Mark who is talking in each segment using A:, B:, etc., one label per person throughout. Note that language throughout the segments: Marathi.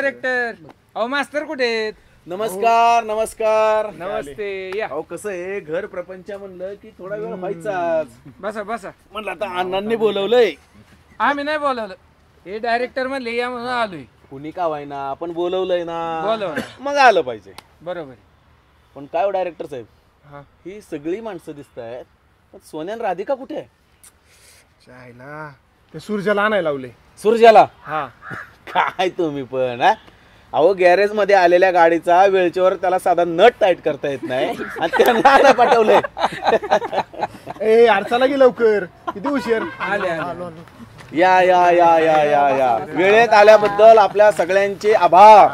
A: डायरेक्टर. अहो मास्तर कुठे आहेत?
B: नमस्कार नमस्कार.
A: नमस्ते या.
B: अहो कसं आहे घर प्रपंच म्हणलं की थोडा वेळ व्हायचाच.
A: बसा बसा.
B: म्हणलं आता अण्णांनी बोलवलंय.
A: आम्ही नाही बोलावलं, हे डायरेक्टर म्हणले या म्हणून आलोय.
B: कुणी का व्हायना आपण बोलवलंय ना,
A: बोलवलं.
B: मग आलं पाहिजे.
A: बरोबर.
B: पण काय हो डायरेक्टर साहेब,
A: हा
B: ही सगळी माणसं दिसत आहेत, पण सोन्या आणि राधिका कुठे आहे?
C: चायला ते सूर्याला आणायला लावले.
B: सूर्याला?
C: हा
B: काय तुम्ही पण हा? अहो गॅरेज मध्ये आलेल्या गाडीचा वेळच्यावर त्याला साधा नट टाईट करता येत नाही आणि त्यांना पाठवलंय.
C: ए अडचाला गे लवकर, किती उशीर.
A: आले आले.
B: या या या या या या वेळेत आल्याबद्दल आपल्या सगळ्यांचे आभार.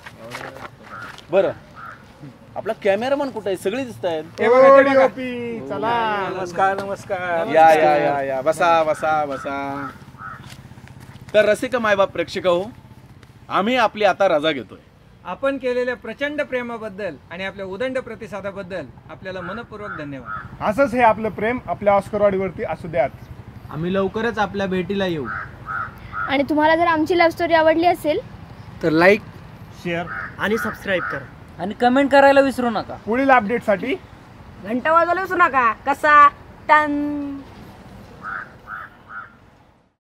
B: बर आपला कॅमेरामन कुठे आहे? सगळी दिसत आहेत.
C: चला
A: नमस्कार नमस्कार.
B: या या या या बसा बसा बसा. तर रसिक मायबाप प्रेक्षक हो, आम्ही आपली आता रजा घेतोय.
A: आपण केलेल्या प्रचंड प्रेमाबद्दल आणि आपल्या उदंड प्रतिसादाबद्दल आपल्याला मनपूर्वक धन्यवाद.
C: असंच हे आपलं प्रेम आपल्या ऑस्करवाडीवरती असू द्यात.
D: आम्ही लवकरच आपल्या भेटीला येऊ.
E: आणि तुम्हाला जर आमची लव्ह स्टोरी आवडली असेल
A: तर लाईक,
C: शेअर
D: आणि सबस्क्राईब करा.
F: आणि कमेंट करायला विसरू नका.
C: पुढील अपडेटसाठी
G: घंटा वाजवलं विसरू नका. कसा टन